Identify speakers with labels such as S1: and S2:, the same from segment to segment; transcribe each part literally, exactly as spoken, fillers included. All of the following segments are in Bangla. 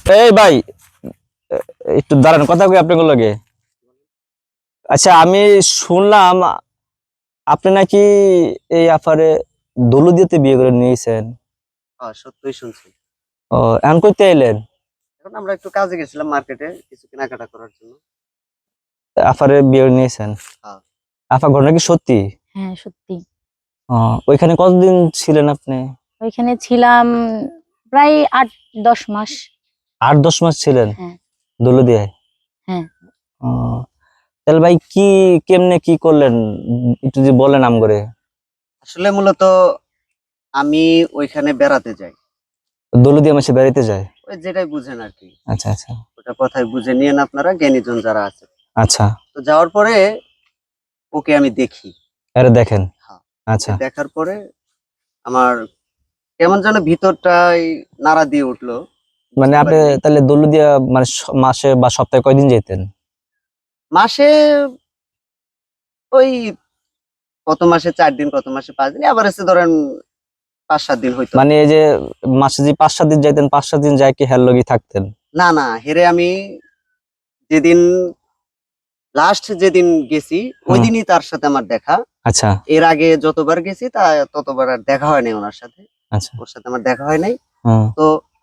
S1: এই ভাই, একটু দাঁড়ান, কথা কই আপনার লগে। আচ্ছা, আমি শুনলাম আপনি নাকি এই আফারে দৌলতদিয়াতে বিয়ে করে নিয়েছেন।
S2: হ্যাঁ, সত্যই শুনছি।
S1: ও, এখন কইতে এলেন?
S2: এখন আমরা একটু কাজে গেছিলাম মার্কেটে কিছু কেনাকাটা করার জন্য।
S1: আফারে বিয়ে করে নিয়েছেন?
S2: হ্যাঁ।
S1: আফা, ঘটনা কি সত্যি?
S3: হ্যাঁ, সত্যি।
S1: ও, ওইখানে কতদিন ছিলেন আপনি?
S3: ওইখানে ছিলাম প্রায় আট দশ মাস।
S1: আট দশ মাস ছিলেন
S3: হ্যাঁ।
S1: দৌলতদিয়ায়?
S3: হ্যাঁ।
S1: ও, তাহলে ভাই কি কেমনে কি করলেন একটু যদি বলেন আম করে।
S2: আসলে মূলত আমি ওইখানে বেড়াতে যাই।
S1: দৌলতদিয়া মাসে বেড়াইতে যায়?
S2: ওই যেটাই বুঝেন আর কি।
S1: আচ্ছা আচ্ছা
S2: ওটা কথাই বুঝে নিয়েন আপনারা, জ্ঞানীজন যারা আছে।
S1: আচ্ছা।
S2: তো যাওয়ার পরে ওকে আমি দেখি।
S1: আরে দেখেন?
S2: হ্যাঁ।
S1: আচ্ছা।
S2: দেখার পরে আমার কেমন যেন ভিতরটাই নাড়া দিয়ে উঠলো।
S1: মানে আপনি তাহলে দৌলতদিয়া মানে স- মাসে বা সপ্তাহে কয়দিন যেতেন?
S2: মাসে ওই কত মাসে চার দিন, কত মাসে পাঁচ দিন, আবার এসে ধরেন পাঁচ সাত দিন হইতো।
S1: মানে এই যে মাসে যে পাঁচ সাত দিন যাইতেন, পাঁচ সাত দিন যায় কি হের লগি থাকতেন?
S2: না না, হেরে আমি যেদিন লাস্ট যেদিন গেছি ওই দিনই তার সাথে আমার দেখা।
S1: আচ্ছা
S2: এর আগে যতবার গেছি তা ততবার আর দেখা হয় নাই ওনার সাথে।
S1: আচ্ছা।
S2: ওর সাথে আমার দেখা হয় নাই।
S1: হুম
S2: তো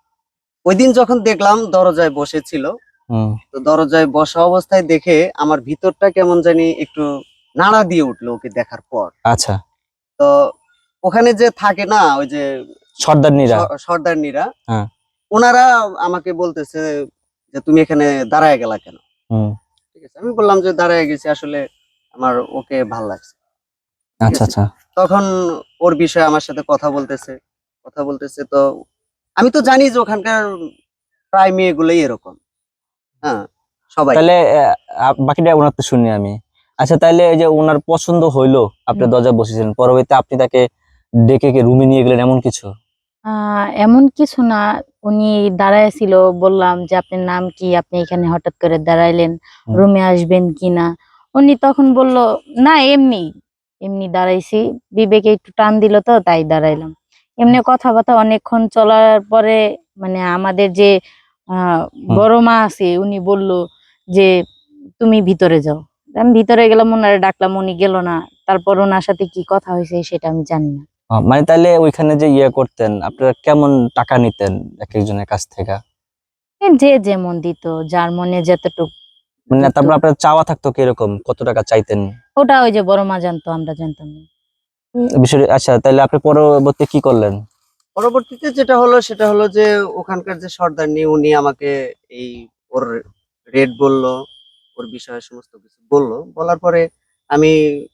S2: ওই দিন যখন দেখলাম দরজায় বসেছিল,
S1: হুম
S2: তো দরজায় বসা অবস্থায় দেখে আমার ভিতরটা কেমন জানি একটু নাড়া দিয়ে উঠলো ওকে দেখার পর।
S1: আচ্ছা।
S2: তো ওখানে যে থাকে না ওই যে
S1: সর্দারনীরা?
S2: স- সর্দারনীরা,
S1: হ্যাঁ।
S2: ওনারা আমাকে বলতেছে যে তুমি এখানে দাঁড়ায় গেলা কেন।
S1: হুম।
S2: ঠিক আছে, আমি বললাম যে দাঁড়ায় গেছি আসলে আমার ওকে ভাল লাগছে। ঠিক
S1: আচ্ছা
S2: আছে?
S1: আচ্ছা।
S2: তখন ওর বিষয়ে আমার সাথে কথা বলতেছে কথা বলতেছে তো আমি তো জানি যে ওখানকার প্রায় মেয়েগুলোই এরকম। হ্যাঁ, সবাই।
S1: তাহলে আহ, বাকিটা ওনার তো শুনি আমি। আচ্ছা, তাহলে এই যে ওনার পছন্দ হইলো, আপনি
S3: হুম।
S1: দরজা বসেছিলেন, পরবর্তীতে আপনি তাকে ডেকে কে রুমে নিয়ে গেলেন এমন কিছু?
S3: আহ এমন কিছু না, উনি দাঁড়ায় ছিল, বললাম যে আপনার নাম কি, আপনি এখানে হঠাৎ করে দাঁড়াইলেন,
S1: হুম।
S3: রুমে আসবেন কিনা। উনি তখন বলল না, এমনি এমনি দাঁড়াইছি, বিবেকে একটু টান দিল তো তাই দাঁড়াইলাম। এমনি কথাবার্তা অনেকক্ষণ চলার পরে মানে আমাদের যে আহ
S1: হুম।
S3: বড় মা আছে উনি বলল যে তুমি ভিতরে যাও। আমি ভিতরে গেলাম, ওনারে ডাকলাম, উনি গেল না। তারপর ওনার সাথে কি কথা হয়েছে সেটা আমি জানি না।
S1: আহ, মানে তাহলে ওইখানে যে ইয়ে করতেন আপনারা, কেমন টাকা নিতেন এক একজনের কাছ থেকে?
S3: এ যে যেমন দিত, যার মনে যতটুক
S1: মানে
S3: দিত।
S1: তারপর আপনার চাওয়া থাকতো কিরকম, কত টাকা চাইতেন?
S3: ওটা ওই যে বড় মা জানতো, আমরা জানতাম না।
S1: বিষয়। আচ্ছা, তাহলে আপনি পরবর্তী কি করলেন?
S2: পরবর্তীতে যেটা হলো সেটা হলো যে ওখানকার যে সর্দারনি উনি আমাকে এই ওর রেট বললো, ওর বিষয়ে সমস্ত কিছু বললো। বলার পরে আমি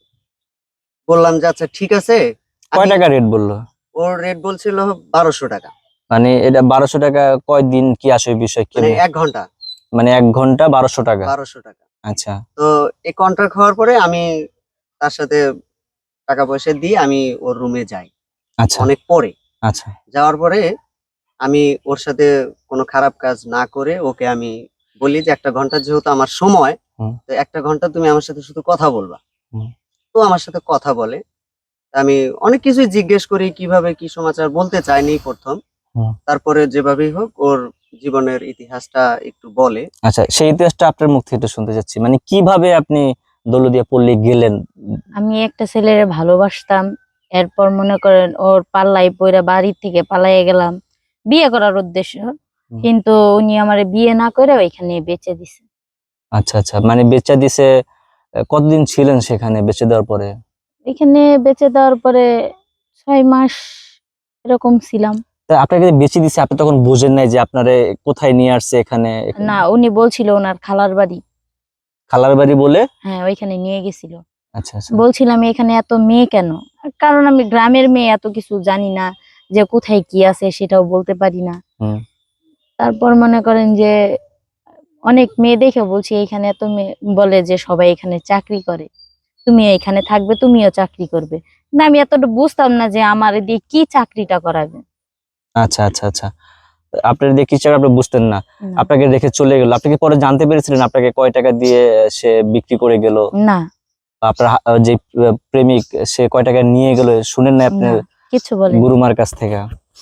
S2: বললাম যে আচ্ছা ঠিক আছে।
S1: কয়
S2: আমি
S1: টাকা রেট বললো?
S2: ওর রেট বলছিল বারোশো টাকা।
S1: মানে এটা বারোশো টাকা কয় দিন কি আসে ওই বিষয়
S2: মানে
S1: কেমনে?
S2: এক ঘন্টা
S1: মানে এক ঘন্টা বারোশো টাকা?
S2: বারোশো টাকা।
S1: আচ্ছা
S2: তো এই কন্ট্রাক্ট হওয়ার পরে আমি তার সাথে টাকা পয়সা দিয়ে আমি ওর রুমে যাই
S1: আচ্ছা
S2: অনেক পরে।
S1: আচ্ছা।
S2: যাওয়ার পরে আমি ওর সাথে কোনো খারাপ কাজ না করে ওকে আমি বলি যে একটা ঘন্টা যেহেতু আমার সময়,
S1: হুম
S2: তো একটা ঘন্টা তুমি আমার সাথে শুধু কথা বলবা।
S1: হুম
S2: তো আমার সাথে কথা বলে। আমি অনেক কিছুই জিজ্ঞেস করি কিভাবে কি সমাচার, বলতে চাইনি প্রথম।
S1: হুম।
S2: তারপরে যেভাবেই হোক ওর জীবনের ইতিহাসটা একটু বলে।
S1: আচ্ছা, সেই ইতিহাসটা আপনার মুখ থেকে একটু শুনতে চাচ্ছি, মানে কিভাবে আপনি দৌলতদিয়া পল্লী গেলেন?
S3: আমি একটা ছেলেরে ভালোবাসতাম, এরপর মনে করেন ওর পাল্লাই পইরা বাড়ি থেকে পালাইয়া গেলাম বিয়ে করার উদ্দেশ্য,
S1: হুম।
S3: কিন্তু উনি আমারে বিয়ে না করে ওইখানে বেচে দিছে।
S1: আচ্ছা আচ্ছা, মানে বেচা দিছে। আহ, কতদিন ছিলেন সেখানে বেচে দেওয়ার পরে?
S3: এখানে বেচে দেওয়ার পরে ছয় মাস এরকম ছিলাম।
S1: তা আপনাকে যে বেচে দিছে, আপনি তখন বুঝেন নাই যে আপনারে কোথায় নিয়ে আসছে এখানে? এখানে
S3: না, উনি বলছিল ওনার খালার বাড়ি।
S1: খালার বাড়ি বলে?
S3: হ্যাঁ, ওইখানে নিয়ে গেছিল।
S1: আচ্ছা আচ্ছা।
S3: বলছিলাম এখানে এত মেয়ে কেন, কারণ আমি গ্রামের মেয়ে, এত কিছু জানি না, যে কোথায় কি আছে সেটাও বলতে পারি না।
S1: হুম
S3: তারপর মনে করেন যে অনেক মেয়ে দেখে বলছি এখানে এত মেয়ে, বলে যে সবাই এখানে চাকরি করে, তুমি এখানে থাকবে, তুমিও চাকরি করবে। না, আমি এতটা বুঝতাম না যে আমার দিয়ে কি চাকরিটা করাবে।
S1: আচ্ছা আচ্ছা আচ্ছা। আপনার দিয়ে কিছু আপনি বুঝতেন না,
S3: না।
S1: আপনাকে রেখে চলে গেল। আপনি কি পরে জানতে পেরেছিলেন আপনাকে কয় টাকা দিয়ে সে বিক্রি করে গেল?
S3: না।
S1: আপনার হা- যে প্রেমিক সে কয় টাকা নিয়ে গেল শুনেন না আপনি
S3: না, কিছু বলেনি।
S1: গুরুমার কাছ থেকে?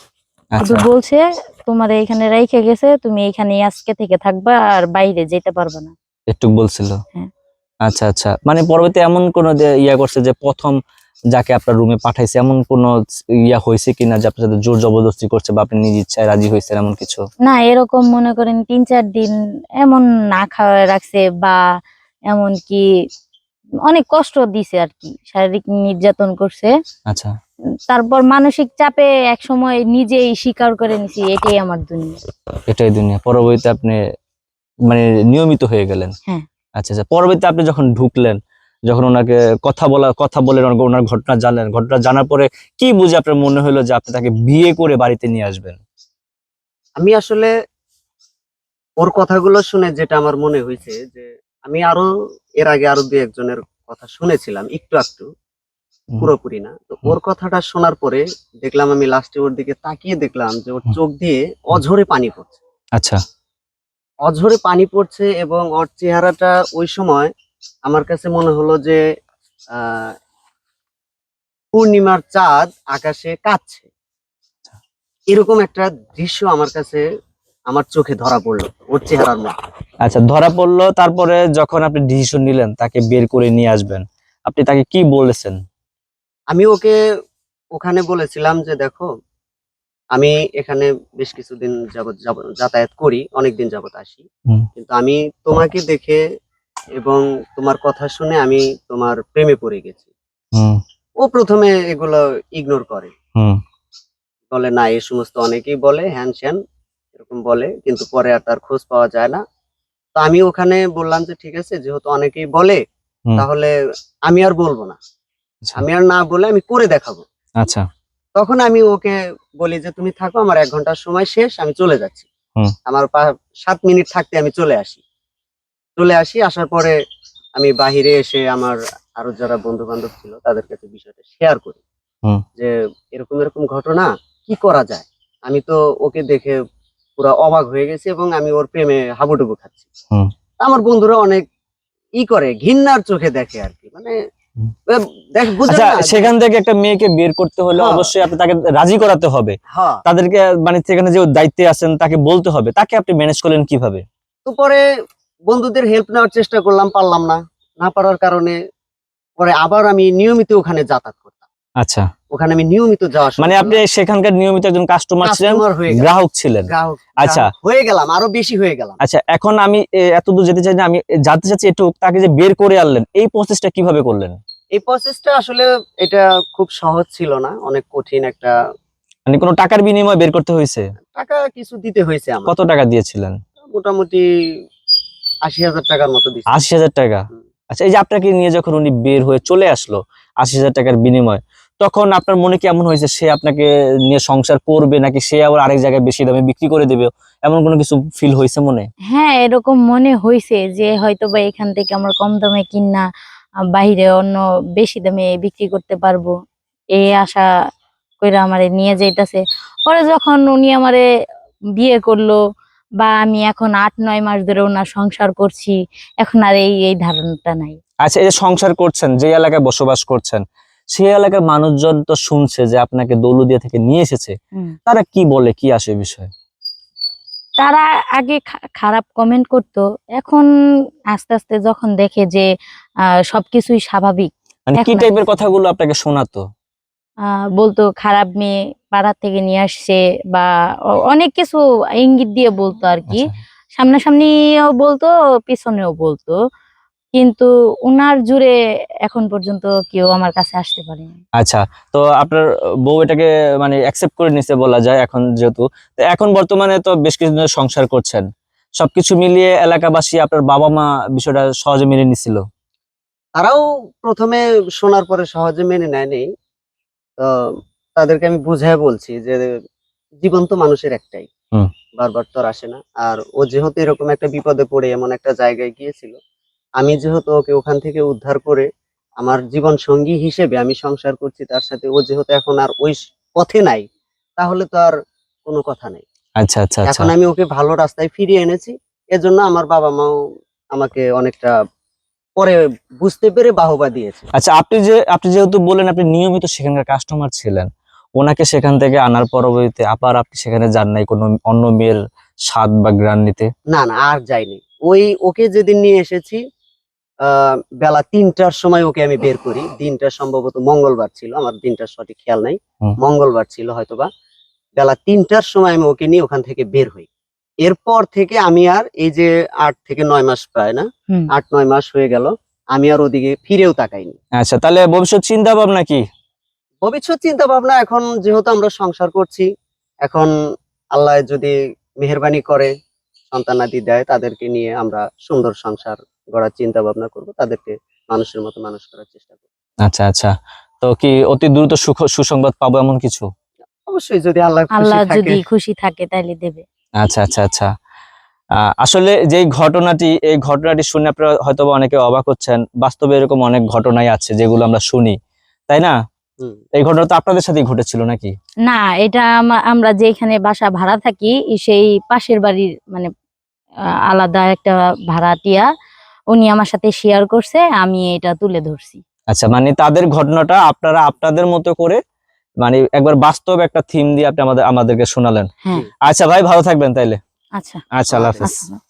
S3: শুধু
S1: আচ্ছা
S3: বলছে তোমার এখানে রাইখে গেছে, তুমি এখানে আজকে থেকে থাকবা আর বাইরে যেতে পারবে না।
S1: একটু বলছিল।
S3: হ্যাঁ।
S1: আচ্ছা আচ্ছা, মানে পরবর্তী এমন কোন ইয়া করছে যে প্রথম যাকে আপনার রুমে পাঠাইছে এমন কোন ইয়া হয়েছে কিনা যে আপনার সাথে জোর জবরদস্তি করছে বা আপনি নিজ ইচ্ছায় রাজি হয়েছেন এমন কিছু?
S3: না, এরকম মনে করেন তিন চার দিন এমন না খাওয়া রাখছে, বা এমন কি অনেক কষ্ট দিছে আর কি, শারীরিক নির্যাতন করছে।
S1: আচ্ছা
S3: উম, তারপর মানসিক চাপে এক সময় নিজেই স্বীকার করে নিছি এটাই আমার দুনিয়া।
S1: এটাই দুনিয়া। পরবর্তীতে আপনি মানে নিয়মিত হয়ে গেলেন।
S3: হ্যাঁ।
S1: আচ্ছা আচ্ছা, পরবর্তীতে আপনি যখন ঢুকলেন, যখন ওনাকে কথা বলা কথা বলেন, ওনার ওনার ঘটনা জানলেন, ঘটনা জানার পরে কি বুঝে আপনার মনে হলো যে আপনি তাকে বিয়ে করে বাড়িতে নিয়ে আসবেন?
S2: আমি আসলে ওর কথাগুলো শুনে যেটা আমার মনে হয়েছে যে আমি আরো এর আগে আরো দুই একজনের কথা শুনেছিলাম একটু একটু,
S1: হুম,
S2: পুরোপুরি না। তো ওর কথাটা শোনার পরে দেখলাম, আমি লাস্টে ওর দিকে তাকিয়ে দেখলাম যে ওর
S1: হুম।
S2: চোখ দিয়ে অঝরে পানি পড়ছে,
S1: আচ্ছা
S2: অঝরে পানি পড়ছে এবং ওর চেহারাটা ওই সময় আমার কাছে মনে হলো যে আহ পূর্ণিমার চাঁদ আকাশে কাঁদছে, এরকম একটা দৃশ্য আমার কাছে আমার চোখে ধরা পড়লো ওর চেহারার মধ্যে।
S1: আচ্ছা, ধরা পড়লো। তারপরে যখন আপনি ডিসিশন নিলেন তাকে বের করে নিয়ে আসবেন, আপনি তাকে কি বলেছেন?
S2: আমি ওকে ওখানে বলেছিলাম যে দেখো, আমি এখানে বেশ কিছুদিন যাবত যাব- যাতায়াত করি, অনেকদিন যাবত আসি,
S1: হুম
S2: কিন্তু আমি তোমাকে দেখে এবং তোমার কথা শুনে আমি তোমার প্রেমে পড়ে গেছি।
S1: হুম
S2: ও প্রথমে এগুলো ইগনোর করে,
S1: হুম
S2: বলে না এই সমস্ত অনেকেই বলে, হ্যান স্যান এরকম বলে, কিন্তু পরে আর তার খোঁজ পাওয়া যায় না। তো আমি ওখানে বললাম যে ঠিক আছে, যেহেতু অনেকেই বলে
S1: হুম।
S2: তাহলে আমি আর বলবো না,
S1: আচ্ছা
S2: আমি আর না বলে আমি করে দেখাবো।
S1: আচ্ছা
S2: তখন আমি ওকে বলি যে তুমি থাকো, আমার এক ঘন্টার সময় শেষ, আমি চলে যাচ্ছি।
S1: হুম।
S2: আমার পা- সাত মিনিট থাকতে আমি চলে আসি। চলে আসি আসার পরে আমি বাহিরে এসে আমার আরো যারা বন্ধু বান্ধব ছিল তাদের কাছে বিষয়টা শেয়ার করি
S1: হুম।
S2: যে এরকম এরকম ঘটনা, কি করা যায়। আমি তো ওকে দেখে পুরো অবাক হয়ে গেছি এবং আমি ওর প্রেমে হাবুডুবু খাচ্ছি।
S1: হুম।
S2: আমার বন্ধুরা অনেক ই করে, ঘৃণার চোখে দেখে আর কি, মানে
S1: হুম।
S2: আহ, দেখ বুঝেন
S1: আচ্ছা,
S2: না যে-
S1: সেখান থেকে একটা মেয়েকে বের করতে হলে
S2: হ্যাঁ।
S1: অবশ্যই আপনি তাকে রাজি করাতে হবে,
S2: হ্যাঁ।
S1: তাদেরকে মানে সেখানে যে দায়িত্বে আছেন তাকে বলতে হবে, তাকে আপনি ম্যানেজ করলেন কিভাবে?
S2: তো পরে বন্ধুদের হেল্প নেওয়ার চেষ্টা করলাম, পারলাম না। না পারার কারণে পরে আবার আমি নিয়মিত ওখানে যাতায়াত করতাম,
S1: আচ্ছা,
S2: ওখানে আমি নিয়মিত যাওয়া শুরু
S1: মানে আপনি
S2: করলাম।
S1: সেখানকার নিয়মিত একজন কাস্টমার ছিলেন,
S2: কাস্টমার হয়ে গেলাম,
S1: গ্রাহক ছিলেন।
S2: গ্রাহক
S1: আচ্ছা
S2: গ্রাহক হয়ে গেলাম, আরো বেশি হয়ে গেলাম।
S1: আচ্ছা, এখন আমি এ, এত দূর যেতে চাই না, আমি জানতে চাচ্ছি একটু তাকে যে বের করে আনলেন এই প্রসেসটা কিভাবে করলেন?
S2: এই প্রসেসটা আসলে এটা খুব সহজ ছিল না, অনেক কঠিন একটা।
S1: মানে কোনো টাকার বিনিময়ে বের করতে হয়েছে?
S2: টাকা কিছু দিতে হয়েছে আমার,
S1: কত টাকা দিয়েছিলেন?
S2: মোটামুটি আশি হাজার টাকার মতো দিচ্ছে।
S1: আশি হাজার টাকা? আচ্ছা, এই যে আপনাকে নিয়ে যখন উনি বের হয়ে চলে আসলো আশি হাজার টাকার বিনিময়, তখন আপনার মনে কেমন হয়েছে? সে আপনাকে নিয়ে সংসার করবে নাকি সে আবার আরেক জায়গায় বেশি দামে বিক্রি করে দেবে, এমন কোনো কিছু ফিল হয়েছে মনে?
S3: হ্যাঁ, এরকম মনে হয়েছে যে হয়তো বা এখান থেকে আমরা কম দামে কিনা আহ, বাইরে অন্য বেশি দামে বিক্রি করতে পারবো, এই আশা কইরা আমারে নিয়ে যাইতাছে। পরে যখন উনি আমারে বিয়ে করলো, বা আমি এখন আট নয় মাস ধরে ওনার সংসার করছি, এখন আর এই এই ধারণাটা নাই।
S1: আচ্ছা, এই যে সংসার করছেন, যে এলাকায় বসবাস করছেন, সেই এলাকার মানুষজন তো শুনছে যে আপনাকে দৌলতদিয়া থেকে নিয়ে এসেছে,
S3: হুম।
S1: তারা কি বলে, কি আসে বিষয়?
S3: তারা আগে খা- খারাপ কমেন্ট করতো, এখন আস্তে আস্তে যখন দেখে যে আহ সবকিছুই স্বাভাবিক,
S1: মানে কি
S3: এখন আর
S1: টাইপের
S3: কিছু না।
S1: কথাগুলো আপনাকে শোনাতো?
S3: আহ বলতো খারাপ মেয়ে, পাড়া থেকে নিয়ে আসছে, বা অ- অনেক কিছু ইঙ্গিত দিয়ে বলতো আর কি।
S1: আচ্ছা
S3: সামনাসামনিও বলতো, পিছনেও বলতো, কিন্তু উনার জুড়ে এখন পর্যন্ত কেউ আমার কাছে আসতে পারেনি।
S1: আচ্ছা, তো আপনার বউ এটাকে মানে অ্যাকসেপ্ট করে নিছে বলা যায় এখন, যেহেতু তো এখন বর্তমানে তো বেশ কিছুদিন ধরে সংসার করছেন, সবকিছু মিলিয়ে এলাকাবাসী, আপনার বাবা মা বিষয়টা সহজে মেনে নিছিল?
S2: তারাও প্রথমে শোনার পরে সহজে মেনে নেয়নি। তো তাদেরকে আমি বুঝায় বলছি যে জীবন তো মানুষের একটাই,
S1: হুম।
S2: বারবার তো আর আসে না। আর ও যেহেতু এরকম একটা বিপদে পড়ে এমন একটা জায়গায় গিয়েছিল, আমি যেহেতু ওকে ওখান থেকে উদ্ধার করে আমার জীবন সঙ্গী হিসেবে আমি সংসার করছি তার সাথে, ও যেহেতু এখন আর ওই স- পথে নাই, তাহলে তো আর কোনো কথা নেই।
S1: আচ্ছা আচ্ছা আচ্ছা
S2: এখন আমি ওকে ভালো রাস্তায় ফিরিয়ে এনেছি, এজন্য আমার বাবা মাও আমাকে অনেকটা পরে বুঝতে পেরে বাহবা দিয়েছে।
S1: আচ্ছা, আপনি যে আপনি যেহেতু বললেন আপনি নিয়মিত সেখানকার কাস্টমার ছিলেন, ওনাকে সেখান থেকে আনার পরবর্তীতে আবার আপনি সেখানে যান নাই কোনো অন্য মেয়ের স্বাদ বা গ্রান নিতে?
S2: না না আর যাইনি। ওই ওকে যেদিন নিয়ে এসেছি আহ বেলা তিনটার সময় ওকে আমি বের করি। দিনটা সম্ভবত মঙ্গলবার ছিল, আমার দিনটার সঠিক খেয়াল নাই,
S1: হুম।
S2: মঙ্গলবার ছিল হয়তোবা। বেলা তিনটার সময় আমি ওকে নিয়ে ওখান থেকে বের হই। এরপর থেকে আমি আর এই যে আট থেকে নয় মাস প্রায় না
S3: হুম।
S2: আট নয় মাস হয়ে গেল, আমি আর ওদিকে ফিরেও তাকাইনি।
S1: আচ্ছা, তাহলে ভবিষ্যৎ চিন্তা ভাবনা কি?
S2: ভবিষ্যৎ চিন্তা ভাবনা এখন যেহেতু আমরা সংসার করছি, এখন আল্লাহ যদি মেহেরবানি করে সন্তানাদি দেয়, তাদেরকে নিয়ে আমরা সুন্দর সংসার গড়ার চিন্তা ভাবনা করব, তাদেরকে মানুষের মতো মানুষ করার চেষ্টা করব।
S1: আচ্ছা আচ্ছা, তো কি অতি দ্রুত সুখ সুসংবাদ পাবো এমন কিছু?
S2: অবশ্যই যদি আল্লাহ খুশি
S3: আল্লাহ
S2: থাকে।
S3: যদি খুশি থাকে তাহলে দেবে।
S1: আচ্ছা আচ্ছা আচ্ছা, আহ, আসলে যেই ঘটনাটি এই ঘটনাটি শুনে আপনারা হয়তো বা অনেকে অবাক হচ্ছেন, বাস্তবে এরকম অনেক ঘটনাই আছে যেগুলো আমরা শুনি, তাই না?
S2: হুম।
S1: এই ঘটনা তো আপনাদের সাথেই ঘটেছিল নাকি?
S3: না, এটা আমা- আমরা যেখানে বাসা ভাড়া থাকি সেই পাশের বাড়ির মানে আহ, আলাদা একটা ভাড়াটিয়া, উনি আমার সাথে শেয়ার করছে, আমি এটা তুলে ধরছি।
S1: আচ্ছা, মানে তাদের ঘটনাটা আপনারা আপনাদের মতো করে মানে একবার বাস্তব একটা থিম দিয়ে আপনি আমাদের আমাদেরকে শোনালেন।
S3: হ্যাঁ।
S1: আচ্ছা ভাই, ভালো থাকবেন তাইলে।
S3: আচ্ছা
S1: আচ্ছা, আল্লাহ হাফেজ।
S3: আচ্ছা।